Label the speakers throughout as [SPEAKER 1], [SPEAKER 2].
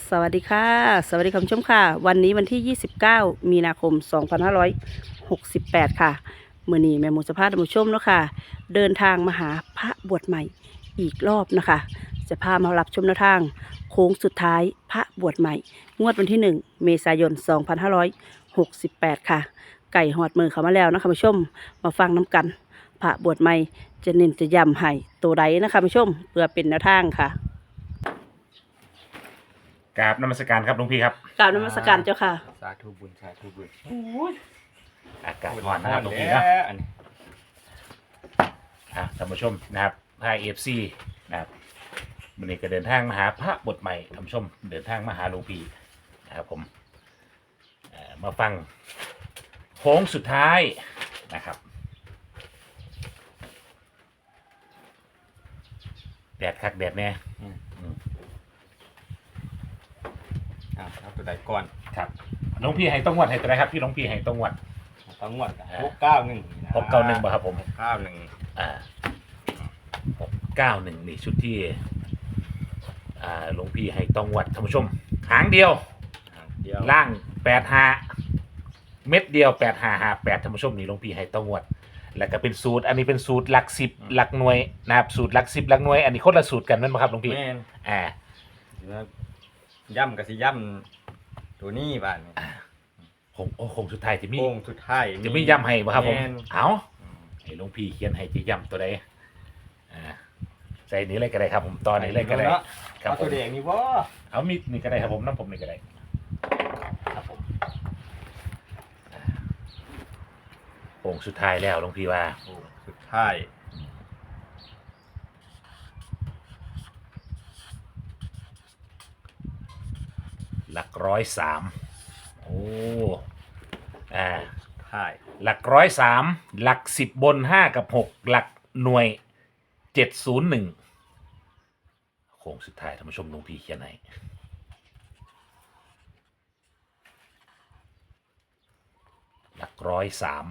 [SPEAKER 1] สวัสดีค่ะสวัสดีคุณผู้ชมค่ะวันนี้วันที่ 29 มีนาคม 2568 ค่ะมื้อนี้แม่หมูจะพาท่านผู้ชมเนาะค่ะเดินทางมาหาพระบวชใหม่อีกรอบนะคะจะพามารับชมแนวทางโค้งสุดท้ายพระบวชใหม่งวดวันที่ 1 เมษายน 2568 ค่ะไก่หอดมือเขามาแล้วนะคะผู้ชมมาฟังน้ำกันพระบวชใหม่จะเน้นจะย้ำให้ตัวใดนะคะผู้ชมเพื่อเป็นแนวทางค่ะ
[SPEAKER 2] กราบนมัสการครับหลวงพี่ครับ
[SPEAKER 1] กราบนมัสการเจ้าค่ะ
[SPEAKER 3] สาธุบุญสาธุบุญ
[SPEAKER 2] อากาศร้อนนะครับหลวงพี่นะ
[SPEAKER 3] อันนี้
[SPEAKER 2] ท่านผู้ชมนะครับพาFCนะครับวันนี้ก็เดินทางมาหาพระบทใหม่ท่านผู้ชมเดินทางมาหาหลวงพี่นะครับผมมาฟังโค้งสุดท้ายนะครับแดดคักแดดแน่
[SPEAKER 3] ครับตัวใดก่อน
[SPEAKER 2] ครับหลวงพี่ให้ต้องวัดให้ตัวไหนครับพี่หลวงพี่ให้ต้องวัด
[SPEAKER 3] ต้องงวด691
[SPEAKER 2] 691ป่ะครับผม
[SPEAKER 3] 691
[SPEAKER 2] 691นี่ชุดที่หลวงพี่ให้ต้องวัดท่านผู้ชมหางเดียว
[SPEAKER 3] เดียว
[SPEAKER 2] ล่าง85เม็ดเดียว8558ท่านผู้ชมนี่หลวงพี่ให้ต้องวัดแล้วก็เป็นสูตรอันนี้เป็นสูตรหลัก10หลักหน่วยนะครับสูตรหลัก10หลักหน่วยอันนี้คนละสูตรกันนั่นป่ะครับหลวงพี่
[SPEAKER 3] แม่น
[SPEAKER 2] อ่า
[SPEAKER 3] ย่ำกับสิย่ำตัวนี้บ้านนี่
[SPEAKER 2] คงสุดท้ายจะมี
[SPEAKER 3] โค้งสุดท้าย
[SPEAKER 2] จะไม่ย้ำให้ป่ะครับผม
[SPEAKER 3] แม่น
[SPEAKER 2] เอาให้หลวงพี่เขียนให้จะย้ำตัวใดใส่นี้เลยก็ได้ครับผมตอนนี้เลยก็ได้
[SPEAKER 3] นาะ
[SPEAKER 2] ครับ
[SPEAKER 3] เอา
[SPEAKER 2] ผ
[SPEAKER 3] ตัว
[SPEAKER 2] ม
[SPEAKER 3] แดงนี่บ่
[SPEAKER 2] เอามีดนี่ก็ได้ครับผมน้ำผมนี่ก็ได้ครับผมโป่งสุดท้ายแล้วหลวงพี่ว่า
[SPEAKER 3] โค้งสุดท้าย
[SPEAKER 2] หลัก103โอ้
[SPEAKER 3] ท้าย
[SPEAKER 2] หลัก103หลัก10บน5กับ6หลักหน่วย701โค้งสุดท้ายท่านผู้ชมหลวงพี่เขียนให้หลัก103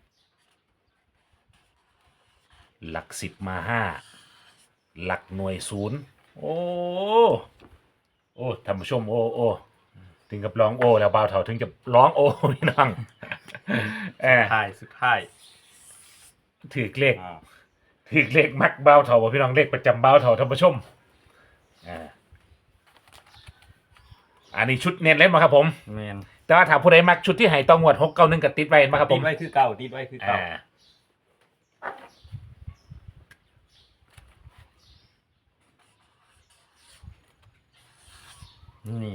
[SPEAKER 2] หลัก10มา5หลักหน่วย0โอ้ท่านผู้ชมโอ้ถึงกับร้องโอ้แล้วบ่าวเฒ่าถึงจะร้องโอ้พี่น้อง
[SPEAKER 3] สุดท้าย
[SPEAKER 2] ถือเลข
[SPEAKER 3] อ่า
[SPEAKER 2] ถือเลขมักบ่าวเฒ่าบ่พี่น้องเลขประจำบ่าวเฒ่าท่านผู้ชมอันนี้ชุดเน้นเล่นมาครับผม
[SPEAKER 3] แม่น
[SPEAKER 2] แต่ว่าถ้าผู้ใดมักชุดที่ให้ต้องงวด691กับติดไว้มาครับผ
[SPEAKER 3] ติด
[SPEAKER 2] ม
[SPEAKER 3] ไว้คือเก่าติดไว้คือเก่านี่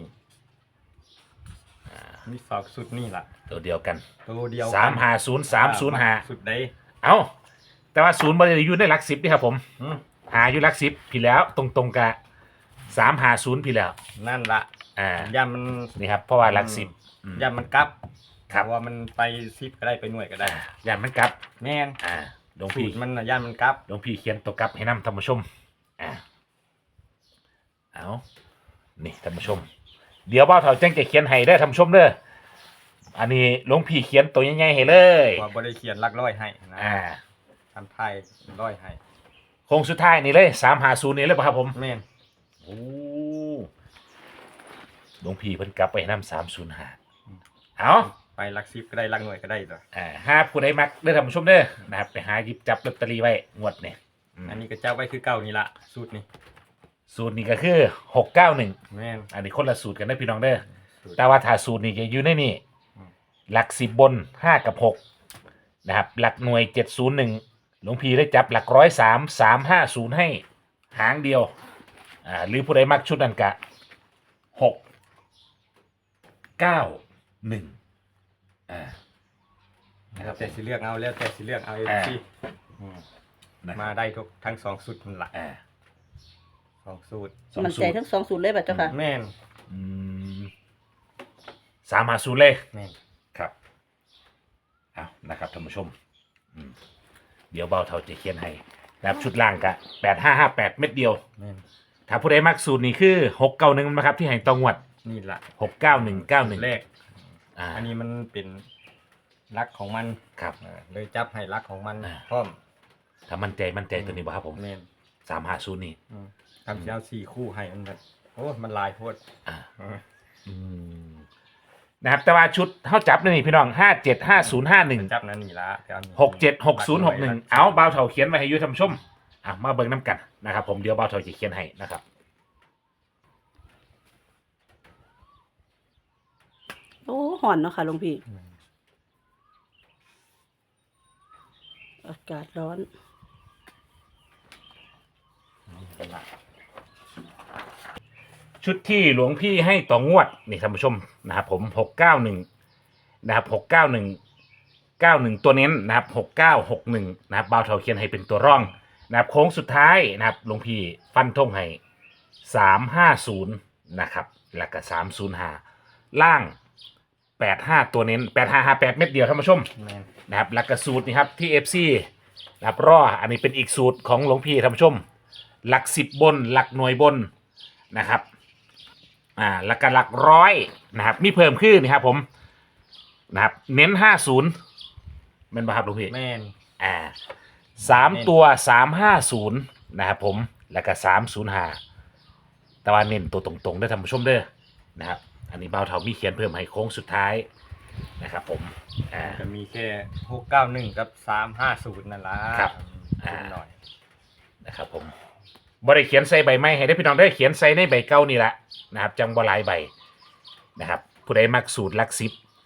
[SPEAKER 3] มีฝากสุดนี่ล่ะ
[SPEAKER 2] ตัวเดียวกัน
[SPEAKER 3] ตัวเดียว
[SPEAKER 2] 350
[SPEAKER 3] สุดใด
[SPEAKER 2] 305เอาแต่ว่าศูนย์บริอยู่ในหลัก10นี่ครับผม
[SPEAKER 3] อืม
[SPEAKER 2] หาอยู่หลัก10พี่แล้วตรงๆกับ350พี่แล้ว
[SPEAKER 3] นั่นละย่ามัน
[SPEAKER 2] นี่ครับเพราะว่าหลัก10
[SPEAKER 3] ย่ามันกลับ
[SPEAKER 2] ครับ
[SPEAKER 3] เพาะว่ามันไปซิปก็ได้ไปหน่วยก็ได้
[SPEAKER 2] ย่านมันกลับ
[SPEAKER 3] แม่น
[SPEAKER 2] หลวง
[SPEAKER 3] สู
[SPEAKER 2] พี่
[SPEAKER 3] ตรมันน่ะย่ามันกลับ
[SPEAKER 2] หลวงพี่เขียนตัวกลับให้นำท่านผู้ชมเอานี่ท่านผู้ชม เดี๋ยวบ่าวเฒ่าแจ้งจะเขียนให้ได้อท่านผู้ชมเด้ออันนี้หลวงพี่เขียนตัวใหญ่ๆให้เลย
[SPEAKER 3] ว่าบ่ได้เขียนหลักร้อยให้นะ ทำไทยร้อยให้
[SPEAKER 2] โค้งสุดท้ายนี่เลย350นี่เลยป่ะครับผม
[SPEAKER 3] แม่น
[SPEAKER 2] โอ้หลวงพี่เพิ่นกลับไปนำ305เอา
[SPEAKER 3] ไปหลักซิปก็ได้หลักหน่วยก็ได้ตัว
[SPEAKER 2] หาผู้ใดมักเด้อท่านผู้ชมเด้อนะครับไปหาหยิบจับลอตเตอรี่ไว้งวดนี่
[SPEAKER 3] อันนี้ก็เจ้าไว้คือเก่านี่ละสูตรนี่
[SPEAKER 2] สูตรนี้ก็คือ691
[SPEAKER 3] แม่น
[SPEAKER 2] อันนี้คนละสูตรกันได้อพี่น้องเด้อ
[SPEAKER 3] สูตร
[SPEAKER 2] แต่ว่าถ้าสูตรนี้จะอยู่ในนี่
[SPEAKER 3] อืม
[SPEAKER 2] หลัก10บน5กับ6นะครับหลักหน่วย701หลวงพี่ได้จับหลัก103 350ให้หางเดียวหรือผู้ใดมักชุดนั้นกะ691นะครับ
[SPEAKER 3] แต่สิเลือกเอาแล้วแต่สิเลือกเอาเองที่
[SPEAKER 2] นะครับ
[SPEAKER 3] มาได้ทุกทั้งสองสูตรนั่นละ
[SPEAKER 2] อ่า
[SPEAKER 3] สองสูตร
[SPEAKER 2] สอง
[SPEAKER 1] มัน
[SPEAKER 2] สู
[SPEAKER 1] ใจ
[SPEAKER 2] ตร
[SPEAKER 1] ทั้ง2 สูตรเลยแบบเจ้าค่ะ
[SPEAKER 3] แม่น
[SPEAKER 2] 350เลย
[SPEAKER 3] แม่น
[SPEAKER 2] ครับเอานะครับท่านผู้ชมเดี๋ยวเบาเท่าจะเขียนให้นะครับชุดล่างกะ8558เม็ดเดียว
[SPEAKER 3] แม่น
[SPEAKER 2] ถ้าผู้ใดมักสูตรนี้คือ691นะครับที่ให้ตองวัด
[SPEAKER 3] นี่ละ
[SPEAKER 2] 69191
[SPEAKER 3] แรก
[SPEAKER 2] อั
[SPEAKER 3] อันนี้มันเป็นลักของมัน
[SPEAKER 2] ครับ
[SPEAKER 3] เลยจับให้ลักของมัน
[SPEAKER 2] อ่า
[SPEAKER 3] พร้อม
[SPEAKER 2] ถ้ามั่นใจตัวนี้บ่ครับผม
[SPEAKER 3] แม่น
[SPEAKER 2] 350นี่
[SPEAKER 3] ทำเจ้า4 คู่ให้มันแบบโอ้มันลายโพด
[SPEAKER 2] อ่าอืมนะครับแต่ว่าชุดเท่าจับนี่พี่น้อง575051
[SPEAKER 3] จับนั่นนี่ละ
[SPEAKER 2] 676061เอาเบาเถาเขียนไว้ให้อยูท่านผู้ชมมาเบิ่งน้ำกันนะครับผมเดี๋ยวเบาเถาจะเขียนให้นะครับ
[SPEAKER 1] โอ้ห่อนเนาะค่ะหลวงพี่อากาศร้อน
[SPEAKER 2] ชุดที่หลวงพี่ให้ต่องวดนี่ท่านผู้ชมนะครับผม691นะครับ691ตัวเน้นนะครับ6961นะครับเบาเถาเขียนให้เป็นตัวร่องนะครับโค้งสุดท้ายนะครับหลวงพี่ฟันธงให้350นะครับแล้วก็305ล่าง85ตัวเน้น8558เม็ดเดียวท่านผู้ชม
[SPEAKER 3] แม่น
[SPEAKER 2] นะครับหลักกระสูตรนี่ครับที่ FC นะครับรออันนี้เป็นอีกสูตรของหลวงพี่ท่านผู้ชมหลัก10บนหลักหน่วยบนนะครับหลักกหลักร้อยนะครับมีเพิ่มขึ้นนะครับผมนะครับเน้น50เป็นป่ะครับหลวงพี่
[SPEAKER 3] แม่น
[SPEAKER 2] 3ตัว350นะครับผมแล้วก็305แต่ว่าเน้นตัวตรงๆได้ท่านผู้ชมเด้อนะครับอันนี้เบาเท่ามีเขียนเพิ่มให้โค้งสุดท้ายนะครับผม
[SPEAKER 3] จะมีแค่691กับ350นั่นล่ะ
[SPEAKER 2] ครับ
[SPEAKER 3] หน่อย
[SPEAKER 2] นะครับผมบ่ได้เขียนใส่ใบไม้ให้ได้พี่น้องได้เขียนใส่ในใบเก่านี่แหละนะครับจังบ่หลายใบนะครับผู้ใดมักสูตรลัก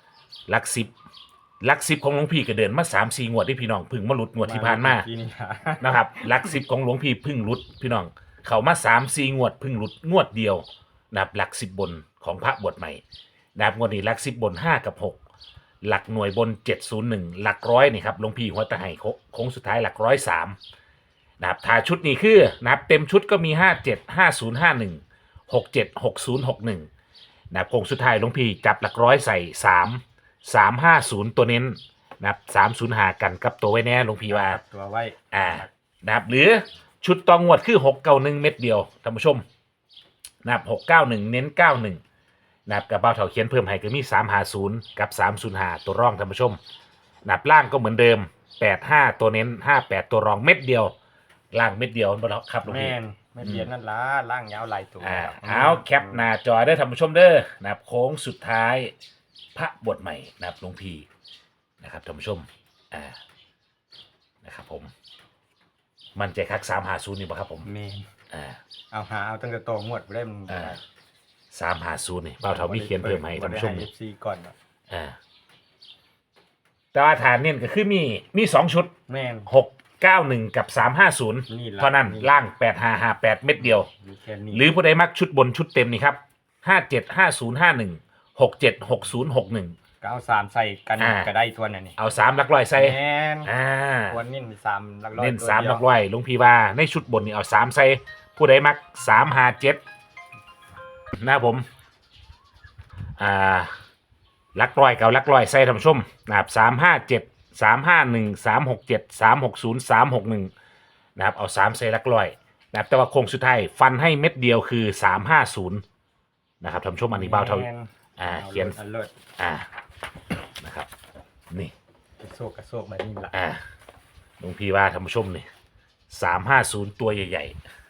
[SPEAKER 2] สิบของหลวงพี่ก็เดินมา3-4 งวดที่พี่น้องพึ่งมาหลุดงวดที่ผ่านมา
[SPEAKER 3] ที่นี่ล่ะ
[SPEAKER 2] นะครับลักสิบของหลวงพี่พึ่งหลุดพี่น้องเขามา3-4 งวดพึ่งหลุดงวดเดียวนะครับหลัก10บนของพระบวชใหม่นะครับงวดนี้หลัก10บน5กับ6หลักหน่วยบน701หลักร้อยนี่ครับหลวงพี่หัวตะไห้โค้งสุดท้ายหลัก103นะครับถ้าชุดนี้คือนะครับเต็มชุดก็มี575051 676061นะครับโค้งสุดท้ายหลวงพี่จับหลักร้อยใส่350ตัวเน้นนะครับ305กันกับตัวไว้แน่หลวงพี่ว่า
[SPEAKER 3] ตัวไว้
[SPEAKER 2] นะครับหรือชุดตองวดคือ691เม็ดเดียวท่านผู้ชมนะครับ691เน้น91นะครับกับเบาเถาเขียนเพิ่มให้ก็มี350กับ305ตัวร่องท่านผู้ชมนะครับล่างก็เหมือนเดิม85ตัวเน้น58ตัวรองเม็ดเดียวล่างเม็ดเดียวบ่ครับหลวง
[SPEAKER 3] แม่
[SPEAKER 2] พี่
[SPEAKER 3] นไม่เรียนนั่นล่ะล่างยาวหลายตัว
[SPEAKER 2] เอาแคปหน้าจอได้ท่านผู้ชมเด้อนะครับโค้งสุดท้ายพระบทใหม่นะครับหลวงพี่นะครับท่านผู้ชมนะครับผมมันใจคัก350นี่บ่ครับผม
[SPEAKER 3] แม่น
[SPEAKER 2] อ่า
[SPEAKER 3] เอาตั้งแต่โตงวดบ่ได้มัน
[SPEAKER 2] 350นี่เป้าเท่ามีเขียนเพิ่มให้ท่านผู้ชม
[SPEAKER 3] บ่ได้ให้ FC ก่อนเนาะ
[SPEAKER 2] แต่ว่าฐานเนี่ยก็คือมี2ชุด
[SPEAKER 3] แม่น
[SPEAKER 2] 691กับ350
[SPEAKER 3] นี่ล่ะ
[SPEAKER 2] เท่านั้น
[SPEAKER 3] นี่
[SPEAKER 2] ล่าง8558เม็ดเดียว
[SPEAKER 3] มีแค่นี้
[SPEAKER 2] หรือผู้ใดมักชุดบนชุดเต็มนี่ครับ575051 676061
[SPEAKER 3] ก็เอา3ใส่กัน
[SPEAKER 2] อ่า
[SPEAKER 3] ก็ได้ตัวนั้นนี่
[SPEAKER 2] เอา3หลักร้อยใส่
[SPEAKER 3] แม่น
[SPEAKER 2] อ่า
[SPEAKER 3] ควรเน้น3หลักร้อย
[SPEAKER 2] เน้น
[SPEAKER 3] ตัว
[SPEAKER 2] 3ห
[SPEAKER 3] เดีย
[SPEAKER 2] ลั
[SPEAKER 3] ว
[SPEAKER 2] กร้อยหลุงพี่ว่าในชุดบนนี่เอา3ใส่ผู้ใดมัก357นะผมหลักร้อยกับหลักร้อยใส่ท่านผู้ชมนะครับ357 351 367 360 361นะครับเอา3ใส่หลักร้อยนะครับแต่ว่าโครงสุดท้ายฟันให้เม็ดเดียวคือ350นะครับท่านผู้ชมอันนี้เบาเท่า
[SPEAKER 3] แม่น
[SPEAKER 2] เขียน
[SPEAKER 3] อาเลิศ
[SPEAKER 2] นะครับนี่
[SPEAKER 3] กระโซกแบบนี้ล่ะ
[SPEAKER 2] หลวงพี่ว่าท่านผู้ชมนี่350ตัวใหญ่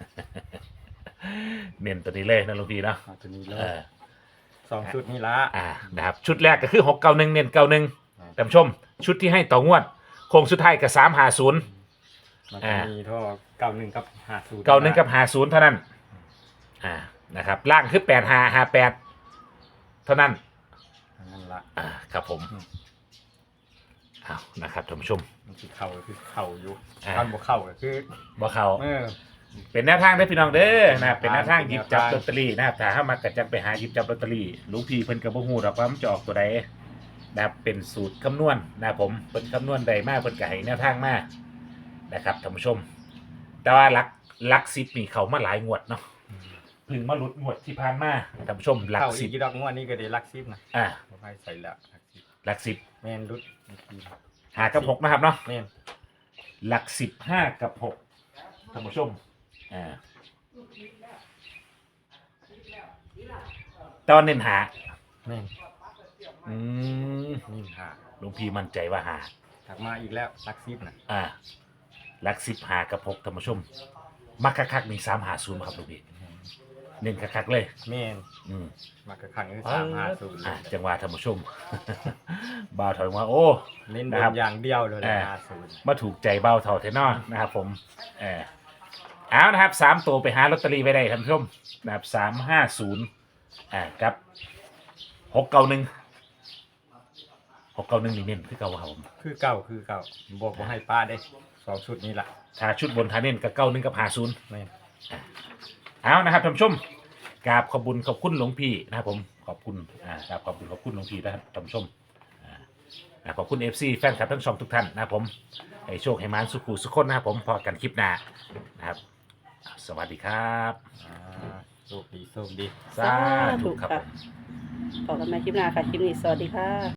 [SPEAKER 2] ๆ เน้นตัวนี้เลยนะหลวงพี่เนาะ
[SPEAKER 3] เอาตัวนี้เล
[SPEAKER 2] เอย อ
[SPEAKER 3] 2ชุดนี่ละ
[SPEAKER 2] นะครับชุดแรกก็คือ691เน้น91ท่านผู้ชมชุดที่ให้ต่องวดโค้งสุดท้ายกับ350
[SPEAKER 3] มันจะมีเท่า91กับ50
[SPEAKER 2] 91กับ50เท่านั้นนะครับล่างคือ8558เท่านั้น
[SPEAKER 3] นั่นละ
[SPEAKER 2] ครับผมเอานะครับท่านผู้ชม
[SPEAKER 3] มันคือเข่าคือเข่าอยู่
[SPEAKER 2] อ่า
[SPEAKER 3] ตอนบ่เข่าก็คือ
[SPEAKER 2] บ่เขา
[SPEAKER 3] อ
[SPEAKER 2] เป็นแนวทางได้อพี่น้องเด้อนะครับเป็นแนวทาง
[SPEAKER 3] เป็น
[SPEAKER 2] หยิ
[SPEAKER 3] แน
[SPEAKER 2] บ
[SPEAKER 3] ว
[SPEAKER 2] จับ
[SPEAKER 3] ทาง
[SPEAKER 2] ลอตเตอรี่นะครับถ้าเฮามักก็จังไปหาหยิบจับลอตเตอรี่หลวงพี่เพิ่นก็บ่ฮู้ดอกว่ามันจะออกตัวใดนะครับเป็นสูตรคำนวณนะครับผมเพิ่นคำนวณได้มาเพิ่นก็ให้แนวทางมานะครับท่านผู้ชม แต่ว่าหลัก10นี่เขามาหลายงวดเนาะเพิ่งมาหลุดงวดที่ผ่านมาท่านผู้ชมหลัก
[SPEAKER 3] เข่าอีก
[SPEAKER 2] 10
[SPEAKER 3] ดอกงวดนี้ก็ได้ลักซิบนะ บ่ให้ใส่ละลักซิบ
[SPEAKER 2] หลัก
[SPEAKER 3] แม่นรุด
[SPEAKER 2] 10หากับ6นะครับเนาะ
[SPEAKER 3] แม่น
[SPEAKER 2] หลัก10 5กับ6ท่านผู้ชมตอนเน้นหา
[SPEAKER 3] แม่น นี่หา
[SPEAKER 2] หลวงพี่มั่นใจว่าหา
[SPEAKER 3] ถักมาอีกแล้วลักซิบนะ
[SPEAKER 2] หลัก10 5กับ6ท่านผู้ชมมักคักๆมี350ครับหลวงพี่เน้นคักๆเลย
[SPEAKER 3] แม่น
[SPEAKER 2] อืม
[SPEAKER 3] มากระขังคือ350
[SPEAKER 2] อ่ะจังหวะท่านผู้ชม บ่าวถอยมาโอ้
[SPEAKER 3] เน้นบ
[SPEAKER 2] นะครับ
[SPEAKER 3] นอย่างเดียวเลย 50
[SPEAKER 2] มาถูกใจเบาเท่าเทนอนะครับผมเอานะครับ3 ตัวไปหาลอตเตอรี่ไว้ได้ท่านผู้ชมนะครับ350กับ691นี่เน้นคือเก่าครับผม
[SPEAKER 3] คือเก่าบ่ให้ป้าได้2ชุดนี้ล่ะ
[SPEAKER 2] ถ้าชุดบนทาเน้นกับ91กับ50
[SPEAKER 3] แม่น
[SPEAKER 2] เอานะครับท่านผู้ชมกราบขอบคุณหลวงพี่นะครับผมขอบคุณกราบขอบคุณหลวงพี่นะครับท่านผู้ชมขอบคุณ FC แฟนคลับทั้งช่องทุกท่านนะครับผมให้โชคให้มานสุขุสุขคนนะครับผมพอกันคลิปหน้านะครับสวัสดีครับ
[SPEAKER 3] โชคดี
[SPEAKER 2] สาธุครับผม
[SPEAKER 1] พบกันใหม่คลิปหน้าค่ะ คลิปนี้สวัสดีค่ะ